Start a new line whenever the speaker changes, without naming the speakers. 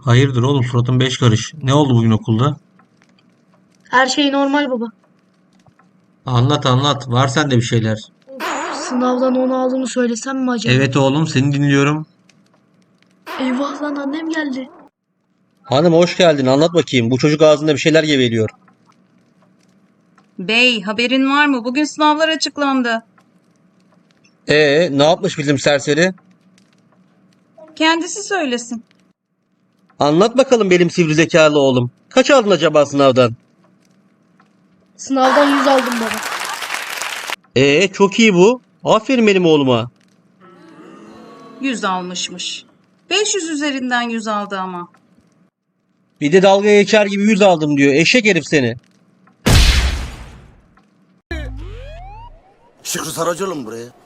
Hayırdır oğlum, suratın beş karış. Ne oldu bugün okulda?
Her şey normal baba.
Anlat anlat. Var sende bir şeyler.
Of, sınavdan 10 aldığımı söylesem mi acaba?
Evet oğlum, seni dinliyorum.
Eyvah lan, annem geldi.
Hanım hoş geldin. Anlat bakayım. Bu çocuk ağzında bir şeyler geveliyor.
Bey, haberin var mı? Bugün sınavlar açıklandı.
Ne yapmış bizim serseri?
Kendisi söylesin.
Anlat bakalım benim sivri zekalı oğlum. Kaç aldın acaba sınavdan?
Sınavdan 100 aldım baba.
Çok iyi bu. Aferin benim oğluma.
100 almışmış. 500 üzerinden 100 aldı ama.
Bir de dalga geçer gibi 100 aldım diyor. Eşek herif seni.
Şükrü Saracoğlu mu buraya?